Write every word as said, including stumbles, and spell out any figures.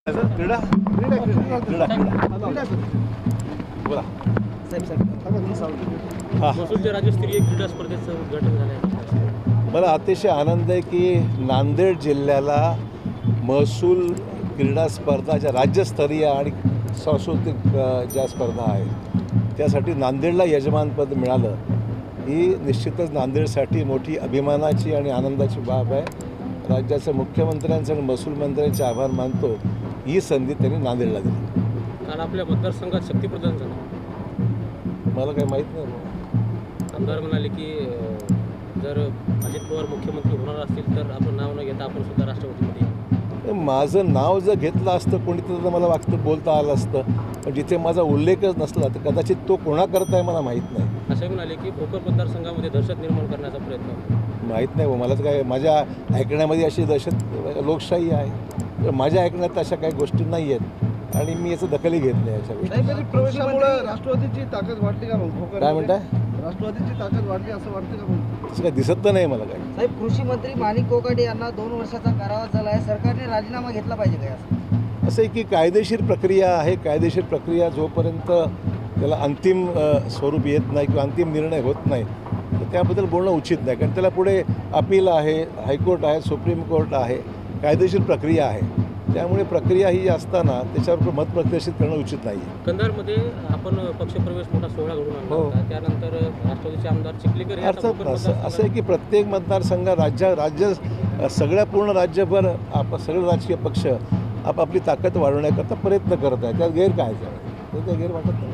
क्रीडा क्रीडा क्रीडा क्रीडा बोला हां महसूलच्या राज्यस्तरीय क्रीडा स्पर्धेचं उद्घाटन झालं आहे. मला अतिशय आनंद आहे की नांदेड जिल्ह्याला महसूल क्रीडा स्पर्धा ज्या राज्यस्तरीय आणि सांस्कृतिक अ, ज्या स्पर्धा आहेत त्यासाठी नांदेडला यजमानपद मिळालं ही निश्चितच नांदेडसाठी मोठी अभिमानाची आणि आनंदाची बाब आहे. राज्याच्या मुख्यमंत्र्यांचे आणि महसूल मंत्र्यांचे आभार मानतो. ही संधी त्यांनी नांदेडला दिली. काल आपल्या मतदारसंघात शक्तीप्रदान झालं. मला काही माहीत नाही बुवा. आमदार म्हणाले की अं, जर अजित पवार मुख्यमंत्री होणार असतील तर आपलं नाव न घेता आपण सुद्धा राष्ट्रपतीमध्ये येऊ. माझं नाव जर घेतलं असतं कोणीतरी तर मला वागतं बोलता आलं असतं, पण जिथे माझा उल्लेखच नसला तर कदाचित तो कोणाकरता आहे मला माहीत नाही. असंही म्हणाले की भोकर मतदारसंघामध्ये दहशत निर्माण करण्याचा प्रयत्न. माहीत नाही बुवा. मला तर काय माझ्या ऐकण्यामध्ये अशी दहशत लोकशाही आहे, तर माझ्या ऐकण्यात अशा काही गोष्टी नाही आहेत आणि मी याचं दखलही घेत नाही याच्या गोष्टी. प्रवेशामुळे राष्ट्रवादीची ताकद वाढली का मग? काय म्हणताय? राष्ट्रवादीची ताकद वाढली असं वाटतं का मग? असं काही दिसत तर नाही मला काही. साहेब, कृषी मंत्री माणिक कोकाटे यांना दोन वर्षाचा कारावास झाला आहे. सरकारने राजीनामा घेतला पाहिजे काय असं? असं आहे की कायदेशीर प्रक्रिया आहे. कायदेशीर प्रक्रिया जोपर्यंत त्याला अंतिम अ, स्वरूप येत नाही किंवा अंतिम निर्णय होत नाही तर त्याबद्दल बोलणं उचित नाही, कारण त्याला पुढे अपील आहे, हायकोर्ट आहे, सुप्रीम कोर्ट आहे, कायदेशीर प्रक्रिया आहे. त्यामुळे प्रक्रिया ही असताना त्याच्यावर मत प्रदर्शित करणं उचित नाही आहे. कंधारमध्ये आपण पक्षप्रवेश मोठा सोहळा घडून आणला हो. होता. त्यानंतर राष्ट्रवादीचे आमदार चिखलीकर हे आता अर्थात भोकर असं असं मतदारसंघात- आहे की प्रत्येक मतदारसंघ राज्य राज्य सगळ्या पूर्ण राज्यभर आप सगळे राजकीय पक्ष आपापली ताकद वाढवण्याकरता प्रयत्न करत आहे. त्यात गैर काय आहे? तर ते गैर वाटत नाही.